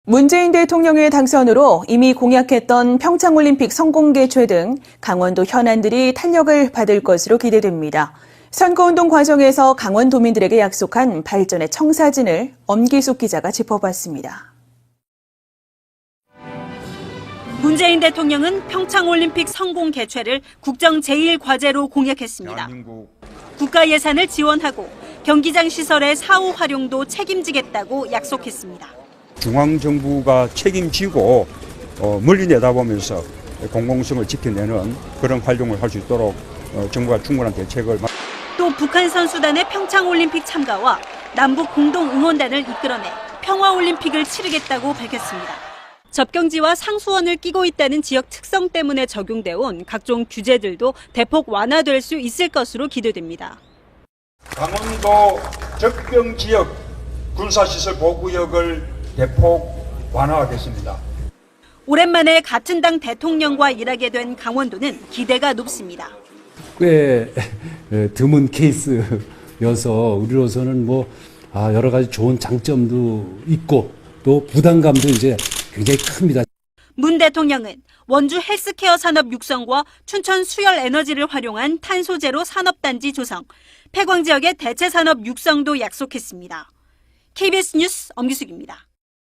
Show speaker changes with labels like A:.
A: 문재인 대통령의 당선으로 이미 공약했던 평창올림픽 성공 개최 등 강원도 현안들이 탄력을 받을 것으로 기대됩니다. 선거운동 과정에서 강원도민들에게 약속한 발전의 청사진을 엄기숙 기자가 짚어봤습니다.
B: 문재인 대통령은 평창올림픽 성공 개최를 국정 제1과제로 공약했습니다. 국가 예산을 지원하고 경기장 시설의 사후 활용도 책임지겠다고 약속했습니다.
C: 중앙정부가 책임지고 멀리 내다보면서 공공성을 지켜내는 그런 활동을 할 수 있도록 정부가 충분한 대책을.
B: 또 북한 선수단의 평창올림픽 참가와 남북 공동응원단을 이끌어내 평화올림픽을 치르겠다고 밝혔습니다. 접경지와 상수원을 끼고 있다는 지역 특성 때문에 적용돼 온 각종 규제들도 대폭 완화될 수 있을 것으로 기대됩니다.
C: 강원도 접경지역 군사시설 보호구역을 대폭 완화하겠습니다.
B: 오랜만에 같은 당 대통령과 일하게 된 강원도는 기대가 높습니다.
D: 꽤 드문 케이스여서 우리로서는 여러 가지 좋은 장점도 있고 또 부담감도 이제 굉장히 큽니다.
B: 문 대통령은 원주 헬스케어 산업 육성과 춘천 수열 에너지를 활용한 탄소 제로 산업단지 조성, 폐광 지역의 대체 산업 육성도 약속했습니다. KBS 뉴스 엄기숙입니다.